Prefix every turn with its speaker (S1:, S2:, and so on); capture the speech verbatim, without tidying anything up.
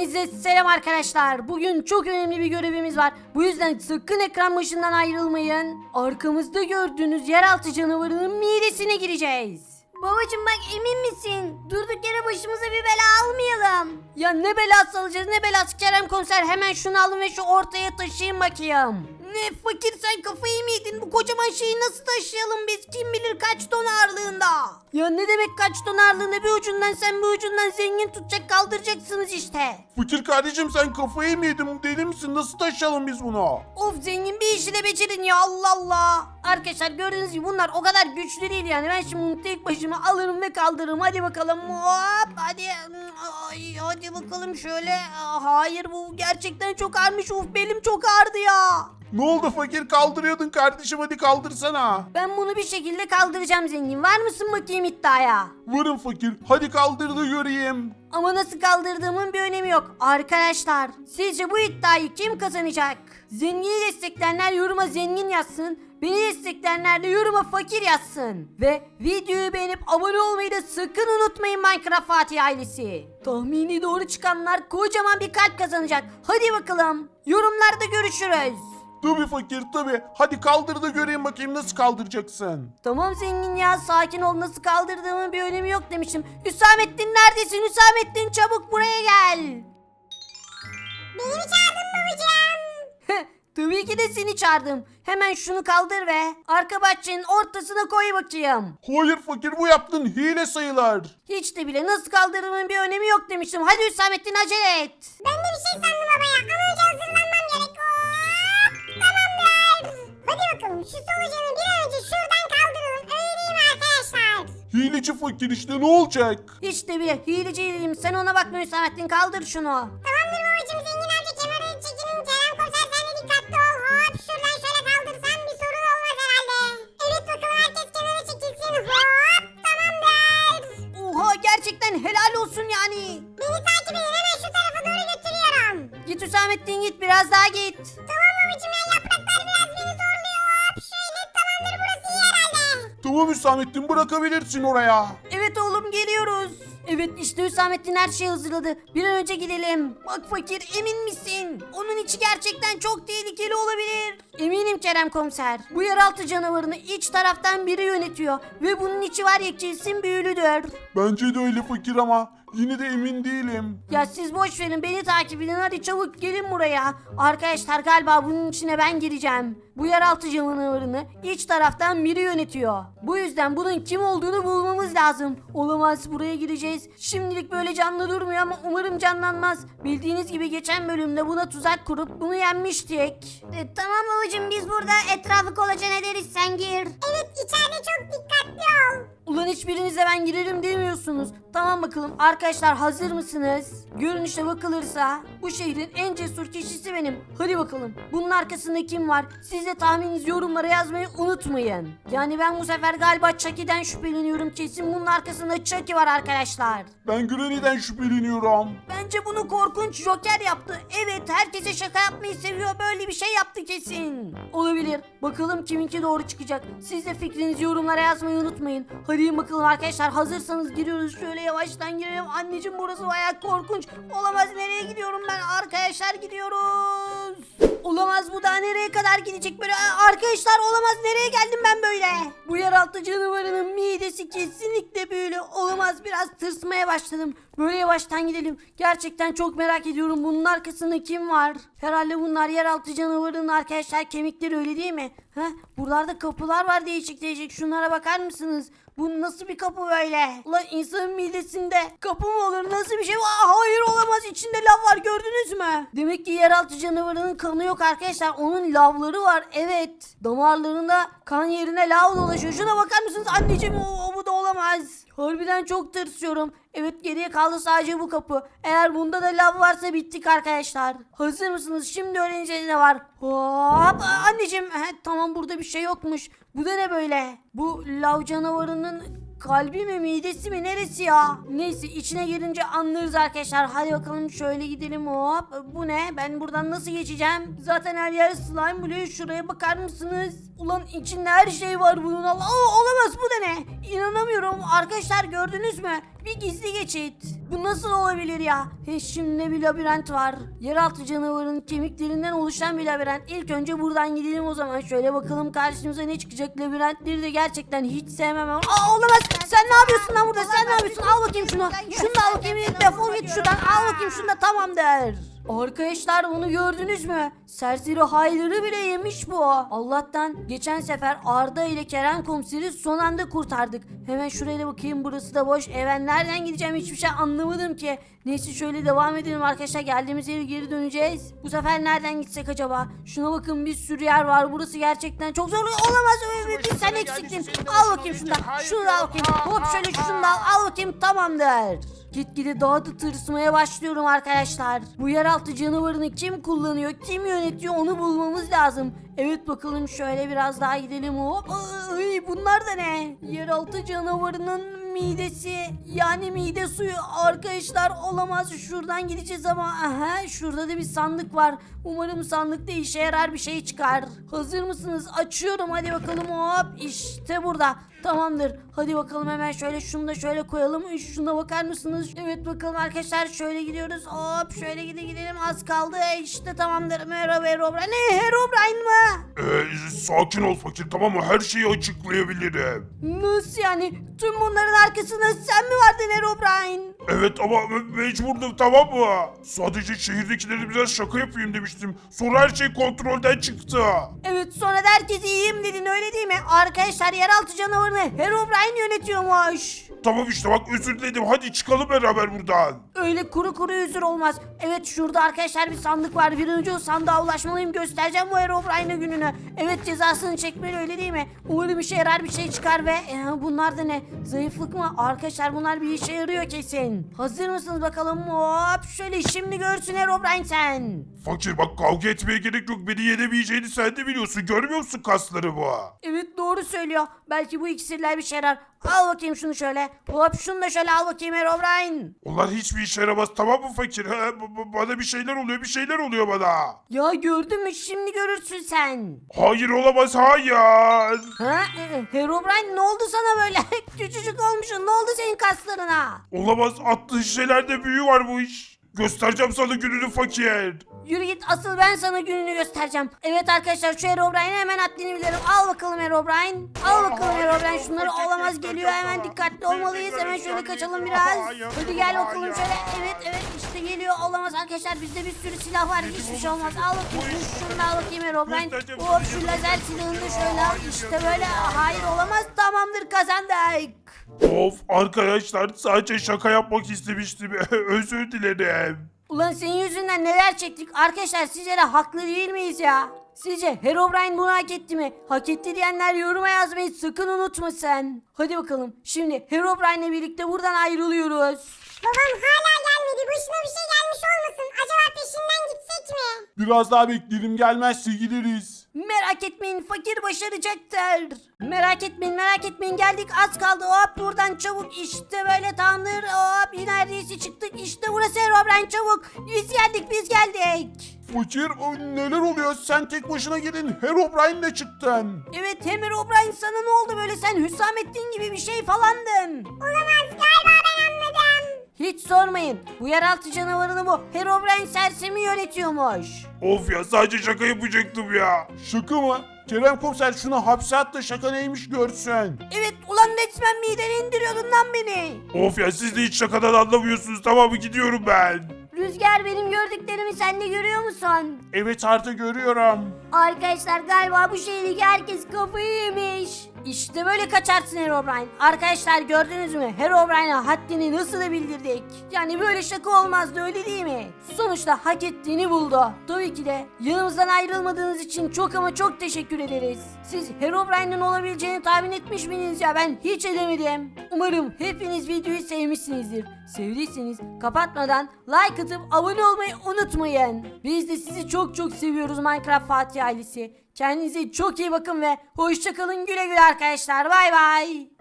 S1: Hepinize selam arkadaşlar. Bugün çok önemli bir görevimiz var. Bu yüzden sakın ekran başından ayrılmayın. Arkamızda gördüğünüz yeraltı canavarının midesine gireceğiz. Babacım bak, emin misin? Durduk yere başımıza bir bela almayalım. Ya ne belası alacağız, ne belası Kerem komiser? Hemen şunu alın ve şu ortaya taşıyın bakayım. Ne fakir, sen kafayı mı yedin? Bu kocaman şeyi nasıl taşıyalım biz? Kim bilir kaç ton ağırlığında? Ya ne demek kaç ton ağırlığında? Bir ucundan sen bir ucundan zengin tutacak, kaldıracaksınız işte.
S2: Fakir kardeşim sen kafayı mı yedin? Deli misin? Nasıl taşıyalım biz bunu?
S1: Of, zengin bir işi de becerin ya, Allah Allah. Arkadaşlar gördüğünüz gibi bunlar o kadar güçlü değil yani. Ben şimdi bunu tek başıma alırım ve kaldırırım. Hadi bakalım, hop hadi. Ay, hadi bakalım şöyle. Hayır, bu gerçekten çok ağırmış. Of, belim çok ağrıdı ya.
S2: Ne oldu fakir, kaldırıyordun kardeşim, hadi kaldırsana.
S1: Ben bunu bir şekilde kaldıracağım zengin. Var mısın bakayım iddiaya?
S2: Varım fakir, hadi kaldır da göreyim.
S1: Ama nasıl kaldırdığımın bir önemi yok. Arkadaşlar, sizce bu iddiayı kim kazanacak? Zengini destekleyenler yoruma zengin yazsın. Beni destekleyenler de yoruma fakir yazsın. Ve videoyu beğenip abone olmayı da sakın unutmayın Minecraft Fatih ailesi. Tahmini doğru çıkanlar kocaman bir kalp kazanacak. Hadi bakalım. Yorumlarda görüşürüz.
S2: Tabii fakir tabii. Hadi kaldır da göreyim bakayım nasıl kaldıracaksın.
S1: Tamam zengin ya, sakin ol, nasıl kaldırdığımın bir önemi yok demiştim. Hüsamettin neredesin? Hüsamettin çabuk buraya gel.
S3: Beni mi çağırdın babacığım?
S1: Tabii ki de seni çağırdım. Hemen şunu kaldır ve arka bahçenin ortasına koy bakayım.
S2: Hayır fakir, bu yaptığın hile sayılır.
S1: Hiç de bile nasıl kaldırdığımın bir önemi yok demiştim. Hadi Hüsamettin acele et.
S3: Ben de bir şey sandım baba ya. Ama önce hazırlanmam gerek. Hop, tamamdır. Hadi bakalım şu solucanı bir an önce şuradan kaldıralım. Öyle değil mi arkadaşlar?
S2: Hileci fakir işte, ne olacak?
S1: Hiç de bile hileci değilim. Sen ona bakma Hüsamettin, kaldır şunu.
S3: Tamamdır babacığım, zengin amca kenara çekilin. Kerem komiser sen de dikkatli ol. Hop, şuradan şöyle kaldırsan bir sorun olmaz herhalde. Evet bakalım, herkes kenara çekilsin. Hop, tamamdır.
S1: Oha, gerçekten helal olsun yani.
S3: Beni takip edin, hemen şu tarafa doğru götürüyorum.
S1: Git Hüsamettin, git biraz daha git.
S3: Tamam babacığım ya, yapraklar biraz beni zorluyor. Hop, şöyle tamamdır, burası iyi herhalde.
S2: Tamam Hüsamettin, bırakabilirsin oraya.
S1: Evet oğlum, geliyoruz. Evet işte Hüsamettin her şeyi hazırladı. Bir an önce gidelim. Bak fakir, emin misin? Onun içi gerçekten çok tehlikeli olabilir. Eminim Kerem komiser. Bu yeraltı canavarını iç taraftan biri yönetiyor. Ve bunun içi var ya, kesin büyülüdür.
S2: Bence de öyle fakir ama yine de emin değilim.
S1: Ya siz boş verin, beni takip edin, hadi çabuk gelin buraya. Arkadaşlar galiba bunun içine ben gireceğim. Bu yeraltı canavarını iç taraftan biri yönetiyor. Bu yüzden bunun kim olduğunu bulmamız lazım. Olamaz, buraya gireceğiz. Şimdilik böyle canlı durmuyor ama umarım canlanmaz. Bildiğiniz gibi geçen bölümde buna tuzak kurup bunu yenmiştik.
S3: E, tamam babacığım, biz burada etrafı kolaçan ederiz, sen gir. Evet, içeride çok dikkatli ol.
S1: Ulan hiçbirinize ben girerim demiyorsunuz. Tamam bakalım arkadaşlar, hazır mısınız? Görünüşe bakılırsa bu şehrin en cesur kişisi benim. Hadi bakalım, bunun arkasında kim var? Siz de tahmininizi yorumlara yazmayı unutmayın. Yani ben bu sefer galiba Chucky'den şüpheleniyorum. Kesin bunun arkasında Chucky var arkadaşlar.
S2: Ben Granny'den şüpheleniyorum.
S1: Bence bunu korkunç Joker yaptı. Evet, herkese şaka yapmayı seviyor. Böyle bir şey yaptı kesin. Olabilir. Bakalım kiminki doğru çıkacak. Siz de fikrinizi yorumlara yazmayı unutmayın. Hadi bakalım arkadaşlar, hazırsanız giriyoruz. Şöyle yavaştan girelim. Anneciğim, burası bayağı korkunç. Olamaz, nereye gidiyorum ben? Arkadaşlar gidiyoruz. Olamaz, bu daha nereye kadar gidecek böyle? Arkadaşlar olamaz, nereye geldim ben böyle? Bu yeraltı canavarının midesi kesinlikle büyülü. Olamaz, biraz tırsmaya başladım. Böyle yavaştan gidelim. Gerçekten çok merak ediyorum, bunun arkasında kim var? Herhalde bunlar yeraltı canavarının arkadaşlar kemikleri, öyle değil mi? Heh, buralarda kapılar var değişik değişik. Şunlara bakar mısınız? Bu nasıl bir kapı böyle? Ulan insanın midesinde kapı mı olur? Nasıl bir şey? Aa, hayır olamaz, içinde lav var, gördünüz mü? Demek ki yeraltı canavarının kanı yok arkadaşlar. Onun lavları var, evet. Damarlarında kan yerine lav dolaşıyor. Şuna bakar mısınız anneciğim? O, o bu da olamaz. Harbiden çok tırsıyorum. Evet, geriye kaldı sadece bu kapı. Eğer bunda da lav varsa bittik arkadaşlar. Hazır mısınız? Şimdi öğreneceğiz ne var. Hop, anneciğim. He, tamam, burada bir şey yokmuş. Bu da ne böyle? Bu lav canavarının kalbi mi, midesi mi, neresi ya? Neyse, içine girince anlarız arkadaşlar. Hadi bakalım şöyle gidelim, hop. Bu ne? Ben buradan nasıl geçeceğim? Zaten her yer slime buluyor. Şuraya bakar mısınız? Ulan içinde her şey var bunun. Allah, olamaz, bu da ne? İnanamıyorum arkadaşlar, gördünüz mü? Bir gizli geçit. Bu nasıl olabilir ya? He, şimdi bir labirent var. Yeraltı canavarının kemiklerinden oluşan bir labirent. İlk önce buradan gidelim o zaman. Şöyle bakalım karşımıza ne çıkacak. Labirentleri de gerçekten hiç sevmem. Aa, olamaz. Sen ne yapıyorsun lan burada? Sen ne yapıyorsun? Al bakayım şunu. Şunu da al bakayım. Defol git şuradan. Al bakayım şunu da, tamam der. Arkadaşlar bunu gördünüz mü? Serseri hayları bile yemiş bu. Allah'tan geçen sefer Arda ile Kerem komiseri son anda kurtardık. Hemen şuraya da bakayım, burası da boş. Evet, nereden gideceğim hiçbir şey anlamadım ki. Neyse şöyle devam edelim arkadaşlar, geldiğimiz yere geri döneceğiz. Bu sefer nereden gitsek acaba? Şuna bakın, bir sürü yer var. Burası gerçekten çok zor. Olamaz, öyle bir sen eksiktin. Al bakayım şunu da. Şunu da al bakayım. Hop şöyle şunu da al. Al bakayım, tamamdır. Gitgide daha da tırsmaya başlıyorum arkadaşlar. Bu yeraltı canavarını kim kullanıyor, kim yönetiyor onu bulmamız lazım. Evet bakalım, şöyle biraz daha gidelim. Hop. Ay, bunlar da ne? Yeraltı canavarının midesi, yani mide suyu arkadaşlar, olamaz. Şuradan gideceğiz ama aha, şurada da bir sandık var. Umarım sandıkta işe yarar bir şey çıkar. Hazır mısınız? Açıyorum, hadi bakalım. Hop, işte burada. Tamamdır. Hadi bakalım, hemen şöyle şunu da şöyle koyalım. Şuna bakar mısınız? Evet bakalım arkadaşlar, şöyle gidiyoruz. Hop, şöyle gide gidelim, az kaldı. İşte tamamdır. Merhaba Herobrine. Ne, Herobrine mı?
S2: Ee, sakin ol fakir, tamam mı? Her şeyi açıklayabilirim.
S1: Nasıl yani? Tüm bunların arkasında sen mi vardın Herobrine?
S2: Evet ama me- mecburdum, tamam mı? Sadece şehirdekilere biraz şaka yapayım demiştim. Sonra her şey kontrolden çıktı.
S1: Evet, sonra da herkes iyiyim dedin, öyle değil mi? Arkadaşlar yeraltı canavarını Herobrine yönetiyormuş.
S2: Tamam işte bak, özür diledim. Hadi çıkalım beraber buradan.
S1: Öyle kuru kuru üzür olmaz. Evet, şurada arkadaşlar bir sandık var. Bir önce o sandığa ulaşmalıyım. Göstereceğim bu Herobrine gününü. Evet, cezasını çekmeli, öyle değil mi? Umarım işe yarar bir şey çıkar ve e, bunlar da ne? Zayıflık mı? Arkadaşlar bunlar bir işe yarıyor kesin. Hazır mısınız bakalım? Hop, şöyle şimdi görsün Herobrine sen.
S2: Fakir bak, kavga etmeye gerek yok. Beni yenemeyeceğini sen de biliyorsun. Görmüyor musun kaslarımı?
S1: Evet, doğru söylüyor. Belki bu iksirler bir şey yarar. Al bakayım şunu şöyle. Hop, şunu da şöyle al bakayım Herobrine.
S2: Onlar hiçbir işe yaramaz, tamam mı fakir? Ha, b- b- bana bir şeyler oluyor, bir şeyler oluyor bana.
S1: Ya gördün mü, şimdi görürsün sen.
S2: Hayır, olamaz, hayır.
S1: Ha? e, Herobrine ne oldu sana böyle? Küçücük olmuşsun, ne oldu senin kaslarına?
S2: Olamaz, attığın şeylerde büyü var bu iş. Göstereceğim sana gününü fakir.
S1: Yürü git, asıl ben sana gününü göstereceğim. Evet arkadaşlar, şu Herobrine'e hemen haddini bilirim. Al bakalım Herobrine. Al bakalım Herobrine, şunları olamaz geliyor, hemen dikkatli olmalıyız. Hemen şöyle kaçalım biraz. Hadi gel bakalım şöyle. Evet evet, işte geliyor, olamaz arkadaşlar, bizde bir sürü silah var, hiçbir şey olmaz. Al bakayım şunu da, al bakayım Herobrine. Hop, şu lazer silahını da şöyle al. İşte böyle, hayır olamaz, tamamdır, kazandık.
S2: Of arkadaşlar, sadece şaka yapmak istemiştim. Özür dilerim.
S1: Ulan senin yüzünden neler çektik. Arkadaşlar sizce de haklı değil miyiz ya? Sizce Herobrine bunu hak etti mi? Hak etti diyenler yoruma yazmayı sakın unutma sen. Hadi bakalım, şimdi Herobrine'le birlikte buradan ayrılıyoruz.
S3: Babam hala gelmedi. Başına bir şey gelmiş olmasın? Acaba peşinden gitsek mi?
S2: Biraz daha bekleyelim, gelmezse gideriz.
S1: Merak etmeyin, fakir başaracaktır. Merak etmeyin, merak etmeyin, geldik, az kaldı. Hop, buradan çabuk, işte böyle, tamamdır. Hop, neredeyse çıktık, işte burası Herobrine, çabuk. Biz geldik, biz geldik.
S2: Fakir, o neler oluyor? Sen tek başına gelin, Herobrine'le çıktın.
S1: Evet, hem Herobrine, sana ne oldu böyle, sen Hüsamettin gibi bir şey falandın.
S3: Olamaz, galiba ben anladım.
S1: Hiç sormayın, bu yeraltı canavarını bu Herobrine sersemi yönetiyormuş.
S2: Of ya, sadece şaka yapacaktım ya. Şaka mı? Kerem komiser şunu hapse at da şaka neymiş görsün.
S1: Evet ulan, resmen mideni indiriyordun lan beni.
S2: Of ya, siz de hiç şakadan anlamıyorsunuz, tamam mı? Gidiyorum ben.
S1: Rüzgar, benim gördüklerimi sen de görüyor musun?
S2: Evet Arda, görüyorum.
S1: Arkadaşlar galiba bu şehirdeki herkes kafayı yemiş. İşte böyle kaçarsın Herobrine. Arkadaşlar gördünüz mü? Herobrine'a haddini nasıl da bildirdik. Yani böyle şaka olmazdı, öyle değil mi? Sonuçta hak ettiğini buldu. Tabii ki de yanımızdan ayrılmadığınız için çok ama çok teşekkür ederiz. Siz Herobrine'in olabileceğini tahmin etmiş miydiniz ya? Ben hiç edemedim. Umarım hepiniz videoyu sevmişsinizdir. Sevdiyseniz kapatmadan like atıp abone olmayı unutmayın. Biz de sizi çok çok seviyoruz Minecraft Fatih ailesi. Kendinize çok iyi bakın ve hoşça kalın, güle güle arkadaşlar. Bay bay.